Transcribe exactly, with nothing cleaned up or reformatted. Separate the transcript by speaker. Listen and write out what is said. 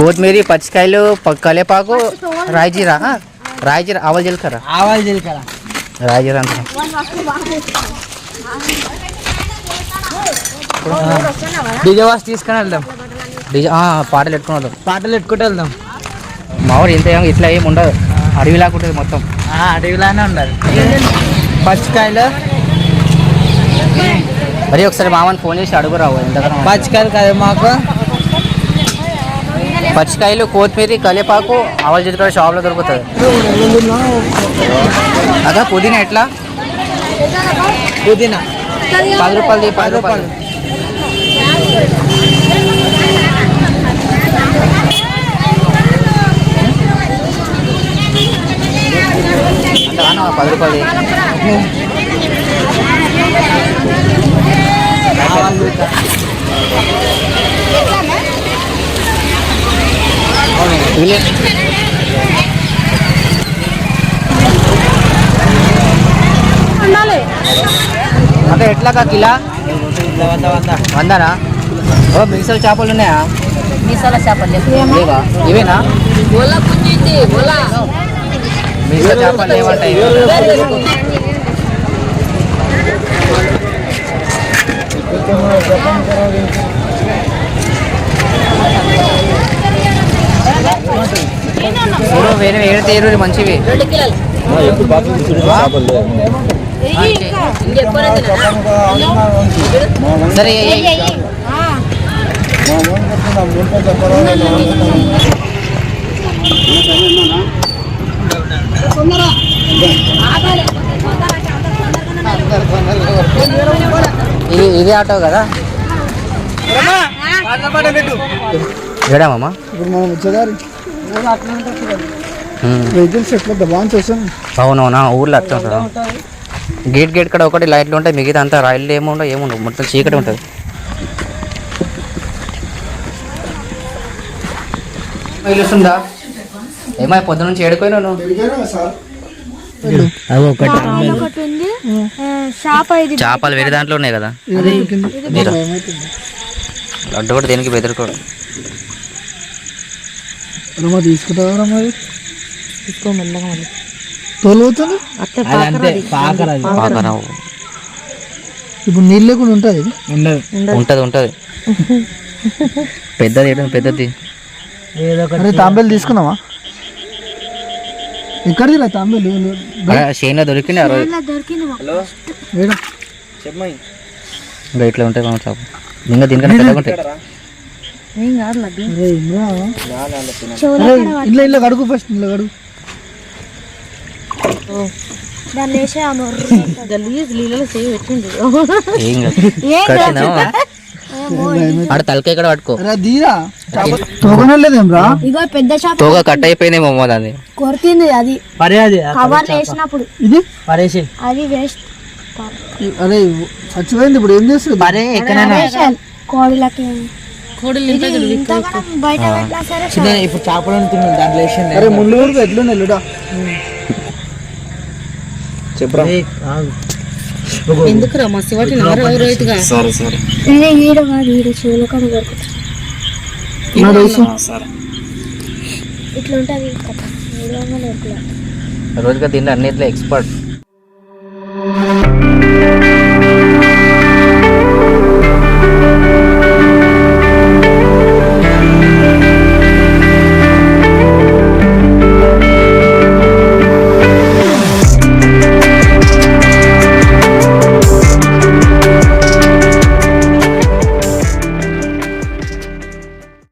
Speaker 1: కొత్తిమీర, పచ్చికాయలు, కలేపాకు, రాయిజీరా రాయిజీరా ఆవాల జీలకర్ర
Speaker 2: ఆవాల జీలకర్ర
Speaker 1: రాయిజీరా అంత
Speaker 2: డీజే వాస్ తీసుకొని వెళ్దాం.
Speaker 1: డీజే పాటలు పెట్టుకుని వెళ్దాం.
Speaker 2: పాటలు పెట్టుకుంటూ వెళ్దాం.
Speaker 1: మా ఊరు ఇంత ఇట్లా ఏమి ఉండదు, అడవిలాగా ఉంటుంది మొత్తం.
Speaker 2: అడవిలానే ఉండాలి. పచ్చికాయలు
Speaker 1: మరి ఒకసారి మామని ఫోన్ చేసి అడుగురావు ఎంతకన్నా.
Speaker 2: పచ్చికాయలు కదా మాకు.
Speaker 1: పచ్చికాయలు, కొత్తిమీర, కలేపాకు, ఆవాల జీలకర్ర షాప్లో దొరుకుతుంది. అదా పుదీనా ఎట్లా?
Speaker 2: పుదీనా
Speaker 1: పది రూపాయలది పది రూపాయలు. అంతగానో పది రూపాయలు. అంటే ఎట్లాగా కిలా వందనా? ఓ మిగసల చేపలు ఉన్నాయా?
Speaker 3: మీసాల చేపలు
Speaker 1: లేవా? ఇవేనా మిగసల చేపలు ఏమంటాయి? వేరే వేరే తీరు మంచివి. సరే ఇది ఇదే ఆటో కదా ఏడామమ్మా?
Speaker 4: ఇప్పుడు మనం వచ్చేదారి వెహికల్స్ ఎట్లా దబాన్ చేస్తాను.
Speaker 1: అవునవునా ఊర్లో అట్లా ఉంటుందా? గేట్ గేట్ కూడా ఒకటి లైట్లు ఉంటాయి, మిగతా అంతా రైళ్ళు ఏముండవు ఏముండవు, మొత్తం చీకటి ఉంటుంది. తెలుస్తుందా ఏమై పొద్దు నుంచి ఏడుకోయినా నువ్వు? చేపలు వేరే దాంట్లో ఉన్నాయి కదా. లడ్డు కూడా దేనికి బెదిరికోడు.
Speaker 4: తీసుకుంటారా మరి? తీసుకో మెల్లగా మరి తోలుతుంది. ఇప్పుడు నీళ్ళు లేకుండా ఉంటుంది.
Speaker 1: ఉంటది ఉంటది పెద్దది ఏంటంటే పెద్దది.
Speaker 4: తాంబేలు తీసుకున్నావా? ఎక్కడిది తాంబేలు?
Speaker 1: షేన్లో దొరికింది ఆ రోజు. ఇంకా ఇట్లా ఉంటాయి మా చేప, ఇంకా దీనికన్నా పెద్దగా ఉంటాయి.
Speaker 4: ఇట్లా ఇట్లా కడుగు ఫస్ట్, ఇట్లా కడుగు.
Speaker 1: ఆడ తలకాయ ఇక్కడ పట్టుకో. తోగా కట్ అయిపోయిందేమో దాన్ని
Speaker 3: కొరికింది అది కవర్ వేసినప్పుడు.
Speaker 4: ఇది
Speaker 3: అది వేస్ట్.
Speaker 4: అరే చచ్చిపోయింది. ఇప్పుడు ఏం చేస్తుంది?
Speaker 3: కోడిలకి
Speaker 2: ఇప్పుడు చేపలు అనుకున్నాను దాంట్లో వేసింది.
Speaker 4: అరే ముళ్ళు ఊరికి ఎట్లుంది ఎల్లుడా
Speaker 2: చెప్పరా?
Speaker 3: ఎందుకురా మస్తు వాటి రైతుగా ఇట్లా ఉంటుంది
Speaker 1: రోజుగా తిండి అన్నిట్లో ఎక్స్పర్ట్.